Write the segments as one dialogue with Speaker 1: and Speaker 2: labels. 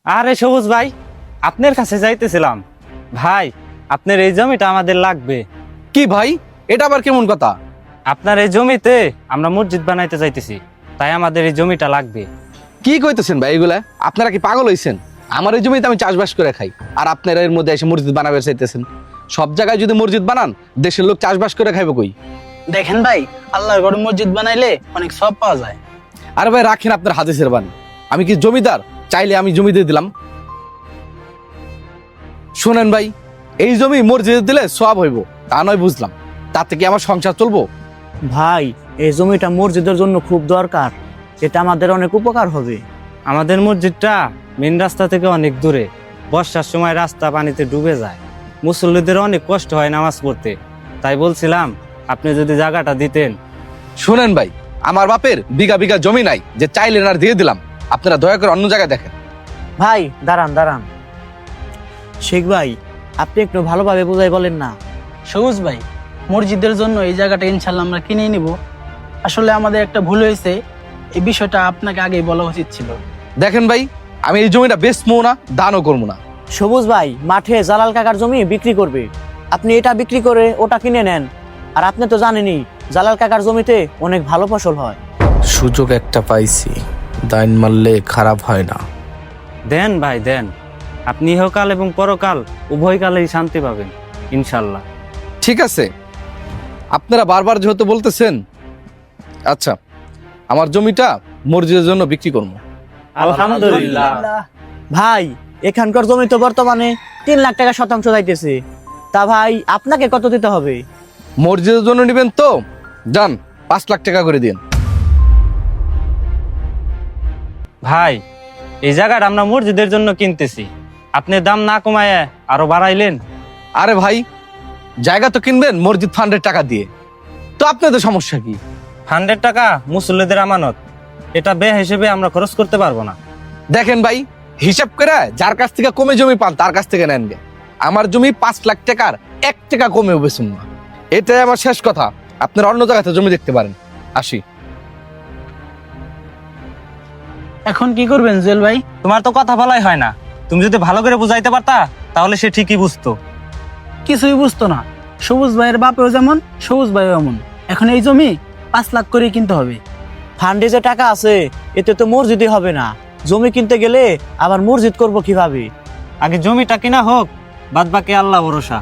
Speaker 1: আরে সবুজ ভাই, আপনার কাছে যাইতেছিলাম। ভাই, আপনার এই জমিটা আমাদের লাগবে।
Speaker 2: কি ভাই, এটা আবার কেমন কথা?
Speaker 1: আপনার এই জমিতে আমরা মসজিদ বানাইতে চাইতেছি, তাই আমাদের এই জমিটা লাগবে।
Speaker 2: কি কইতেছেন ভাই এগুলা? আপনারা কি পাগল হইছেন? আমার এই জমিতে আমি চাষবাস করে খাই, আর আপনারা এর মধ্যে এসে মসজিদ বানাবে চাইতেছেন? সব জায়গায় যদি মসজিদ বানান, দেশের লোক চাষবাস করে খাইবে কই?
Speaker 3: দেখেন ভাই, আল্লাহর ঘরে মসজিদ বানাইলে অনেক সব পাওয়া যায়।
Speaker 2: আরে ভাই রাখেন আপনার হাদিসের বাণী। আমি কি জমিদার? চাইলে আমি জমি দিয়ে দিলাম। শোনেন ভাই, এই জমি মসজিদে দিলে সওয়াব হইব, তা নয় বুঝলাম। তাতে কি আমার সংসার চলবো?
Speaker 4: ভাই, এই জমিটা মসজিদের জন্য খুব দরকার, এটা আমাদের অনেক উপকার হবে।
Speaker 1: আমাদের মসজিদটা মেন রাস্তা থেকে অনেক দূরে, বর্ষার সময় রাস্তা পানিতে ডুবে যায়, মুসল্লিদের অনেক কষ্ট হয় নামাজ পড়তে। তাই বলছিলাম আপনি যদি জায়গাটা দিতেন।
Speaker 2: শোনেন ভাই, আমার বাপের বিঘা বিঘা জমি নাই যে চাইলে আর দিয়ে দিলাম। আপনারা দয়া করে অন্য জায়গায় দেখেন।
Speaker 4: ভাই দাঁড়ান দাঁড়ান, শেখ ভাই আপনি একটু ভালোভাবে বুঝাই বলেন না।
Speaker 3: সবুজ ভাই, মসজিদের জন্য এই জায়গাটা ইনশাল্লাহ আমরা কিনে নিব। আসলে আমাদের একটা ভুল হয়েছে, এই বিষয়টা আপনাকে আগেই বলা উচিত ছিল।
Speaker 2: দেখেন ভাই, আমি এই জমিটা বেচবো না, দানও করবো না।
Speaker 4: সবুজ ভাই মাঠে জালাল কাকার জমি বিক্রি করবে, আপনি এটা বিক্রি করে ওটা কিনে নেন। আর আপনি তো জানেনই জালাল কাকার জমিতে অনেক ভালো ফসল হয়।
Speaker 5: সুযোগ একটা পাইছি, দাইন মারলে খারাপ হয় না।
Speaker 1: দেন ভাই দেন, আপনি ইহকাল এবং পরকাল উভয় কালেই শান্তি পাবেন ইনশাল্লাহ।
Speaker 2: ঠিক আছে, আপনারা বারবার যেহেতু বলতেছেন, আচ্ছা আমার জমিটা মসজিদের জন্য বিক্রি করবো।
Speaker 1: আলহামদুলিল্লাহ।
Speaker 4: ভাই, এখানকার জমি তো বর্তমানে 3 লাখ টাকা শতাংশ যাইতেছে, তা ভাই আপনাকে কত দিতে হবে?
Speaker 2: মসজিদের জন্য নেবেন তো যান, 5 লাখ টাকা করে দিন।
Speaker 1: ভাই, এই জায়গাটা আমরা মসজিদের জন্য কিনতেছি, আপনি দাম না কমায় আরো বাড়াইলেন।
Speaker 2: আরে ভাই, জায়গা তো কিনবেন মসজিদ ফান্ডের টাকা দিয়ে, তো আপনাদের সমস্যা কি?
Speaker 1: 100 টাকা মুসল্লিদের আমানত, এটা বে হিসেবে আমরা খরচ করতে পারবো না।
Speaker 2: দেখেন ভাই, হিসাব করে যার কাছ থেকে কমে জমি পান তার কাছ থেকে নেন গে। আমার জমি 5 লাখ টাকার 1 টাকা কমেও বেচুন না, এটাই আমার শেষ কথা। আপনারা অন্য জায়গাতে জমি দেখতে পারেন। আসি।
Speaker 3: এখন কি করবেন জুয়েল ভাই?
Speaker 1: তোমার তো কথা বলাই হয় না, তুমি যদি ভালো করে বুঝাইতে পারতা তাহলে সে ঠিকই বুঝতো।
Speaker 3: কিছুই বুঝতো না। সবুজ ভাইয়ের বাপেও যেমন, সবুজ ভাইও এমন। এখন এই জমি 5 লাখ করে কিনতে হবে।
Speaker 4: ফান্ডে যে টাকা আছে এতে তো মসজিদই হবে না, জমি কিনতে গেলে আবার মসজিদ করব কিভাবে?
Speaker 1: আগে জমিটা কিনা হোক, বাদ বাকি আল্লাহ ভরসা।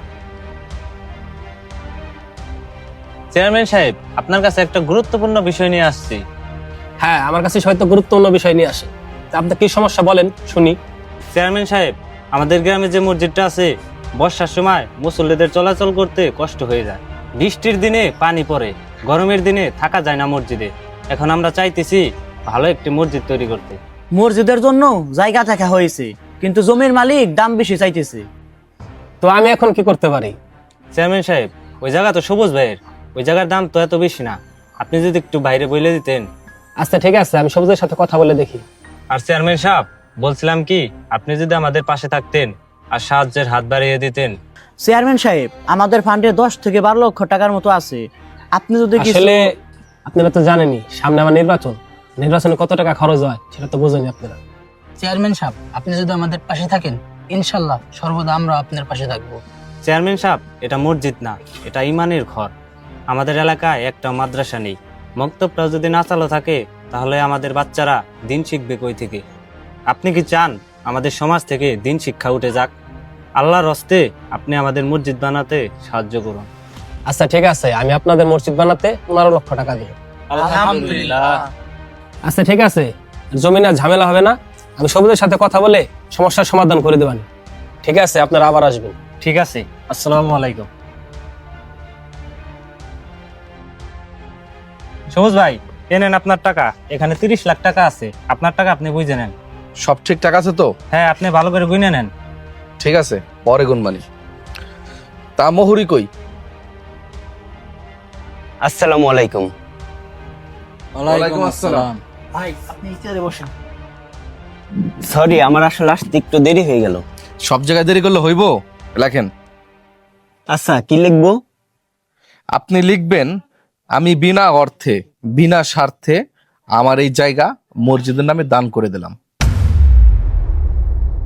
Speaker 1: চেয়ারম্যান সাহেব, আপনার কাছে একটা গুরুত্বপূর্ণ বিষয় নিয়ে আসছি।
Speaker 6: হ্যাঁ, আমার কাছে হয়তো গুরুত্বপূর্ণ বিষয় নিয়ে আসে। তা আপনার কি সমস্যা বলেন শুনি।
Speaker 1: চেয়ারম্যান সাহেব, আমাদের গ্রামে যে মসজিদটা আছে, বর্ষার সময় মুসল্লিদের চলাচল করতে কষ্ট হয়ে যায়। বৃষ্টির দিনে পানি পড়ে, গরমের দিনে থাকা যায় না মসজিদে। এখন আমরা চাইতেছি ভালো একটি মসজিদ তৈরি করতে।
Speaker 4: মসজিদের জন্য জায়গা থাকা হয়েছে, কিন্তু জমির মালিক দাম বেশি চাইতেছে।
Speaker 6: তো আমি এখন কি করতে পারি?
Speaker 1: চেয়ারম্যান সাহেব, ওই জায়গা তো সবুজ ভাইয়ের, ওই জায়গার দাম তো এত বেশি না, আপনি যদি একটু বাইরে বলে দিতেন।
Speaker 6: আচ্ছা ঠিক আছে, আমি সবুজের সাথে কথা বলে দেখি।
Speaker 1: আর চেয়ারম্যান সাহেব, বলছিলাম কি, আপনি যদি আমাদের পাশে থাকতেন আর সাহায্যের হাত বাড়িয়ে দিতেন।
Speaker 4: চেয়ারম্যান সাহেব, আমাদের ফান্ডে 10 থেকে 12 লক্ষ টাকার মতো আছে, আপনি যদি
Speaker 6: আসলে আপনারা তো জানেনই সামনে আমার নির্বাচনে কত টাকা খরচ হয় সেটা তো বোঝেনি আপনারা।
Speaker 3: চেয়ারম্যান সাহেব, আপনি যদি আমাদের পাশে থাকেন, ইনশাল্লাহ সর্বদা আমরা আপনার পাশে থাকবো।
Speaker 1: চেয়ারম্যান সাহেব, এটা মসজিদ না, এটা ইমানের ঘর। আমাদের এলাকায় একটা মাদ্রাসা নেই, মক্তবটা যদি না চালু থাকে তাহলে আমাদের বাচ্চারা দিন শিখবে কই থেকে? আপনি কি চান আমাদের সমাজ থেকে দিন শিক্ষা উঠে যাক? আল্লাহর হস্তে আপনি আমাদের মসজিদ বানাতে সাহায্য করুন।
Speaker 6: আচ্ছা ঠিক আছে, আমি আপনাদের মসজিদ বানাতে 15 লক্ষ টাকা দিব।
Speaker 1: আলহামদুলিল্লাহ।
Speaker 6: আচ্ছা ঠিক আছে, জমিনে আর ঝামেলা হবে না, আমি সবুজের সাথে কথা বলে সমস্যার সমাধান করে দেবানি। ঠিক আছে, আপনারা আবার আসবেন।
Speaker 1: ঠিক আছে, আসসালামু আলাইকুম। সবুজ ভাই, এনেন আপনার টাকা, এখানে 30 লাখ টাকা আছে, আপনার টাকা আপনি বুঝে নেন।
Speaker 2: সব ঠিকঠাক আছে তো?
Speaker 1: হ্যাঁ, আপনি ভালো করে গুনে নেন।
Speaker 2: ঠিক আছে, পরে গুনবানি। তা মোহরি কই?
Speaker 7: আসসালামু আলাইকুম।
Speaker 2: ওয়ালাইকুম আসসালাম।
Speaker 3: ভাই, আপনি চেয়ারে বসেন।
Speaker 7: সরি, আমার আসলে আসতে একটু দেরি হয়ে গেল।
Speaker 2: সব জায়গায় দেরি করলে হইব? লেখেন।
Speaker 7: আচ্ছা, কি লিখবো?
Speaker 2: আপনি লিখবেন, আমি বিনা অর্থে বিনা স্বার্থে আমার এই জায়গা মসজিদের নামে দান করে দিলাম।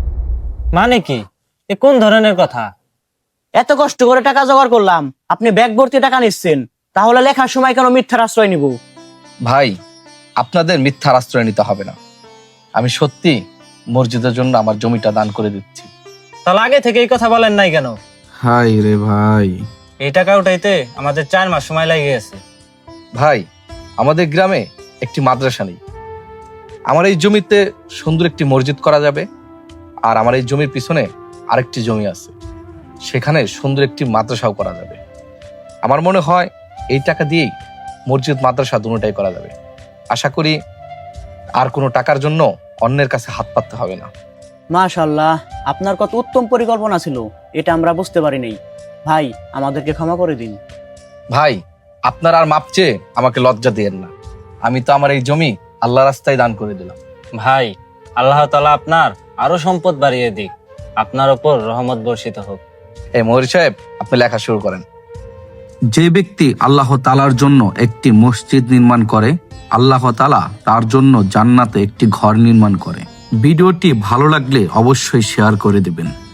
Speaker 1: মানে কি? এ কোন ধরনের কথা?
Speaker 4: এত কষ্ট করে টাকা জোগাড় করলাম, আপনি ব্যাগ ভর্তি টাকা নিচ্ছেন, তাহলে লেখার সময় কেন মিথ্যার আশ্রয় নিব?
Speaker 2: ভাই, আপনাদের মিথ্যার আশ্রয় নিতে হবে না। আমি সত্যি মসজিদের জন্য আমার জমিটা দান করে দিচ্ছি।
Speaker 1: তাহলে আগে থেকে এই কথা বলেন নাই কেন?
Speaker 5: হাই রে ভাই,
Speaker 1: এই টাকা উঠাইতে আমাদের 4 মাস সময় লেগে গেছে।
Speaker 2: ভাই, আমাদের গ্রামে একটি মাদ্রাসা নেই। আমার এই জমিতে সুন্দর একটি মসজিদ করা যাবে, আর আমার এই জমির পিছনে আরেকটি জমি আছে, সেখানে সুন্দর একটি মাদ্রাসাও করা যাবে। আমার মনে হয় এই টাকা দিয়েই মসজিদ মাদ্রাসা দুটোটাই করা যাবে। আশা করি আর কোনো টাকার জন্য অন্যের কাছে হাত পাততে হবে না।
Speaker 4: মাশাআল্লাহ, আপনার কত উত্তম পরিকল্পনা ছিল, এটা আমরা বুঝতে পারি নাই। ভাই, আমাদেরকে ক্ষমা করে দিন।
Speaker 2: ভাই, আপনার আর মাপ চেয়ে আমাকে লজ্জা দিয়েন না। আমি তো আমার এই জমি আল্লাহ রাস্তায় দান করে দিলাম।
Speaker 1: ভাই, আল্লাহ তাআলা আপনার আরো সম্পদ বাড়িয়ে দিক, আপনার উপর রহমত বর্ষিত হোক।
Speaker 2: এই মহরি সাহেব, আপনি লেখা শুরু করেন।
Speaker 8: যে ব্যক্তি আল্লাহ তাআলার জন্য একটি মসজিদ নির্মাণ করে, আল্লাহ তাআলা তার জন্য জান্নাতে একটি ঘর নির্মাণ করে। ভিডিওটি ভালো লাগলে অবশ্যই শেয়ার করে দিবেন।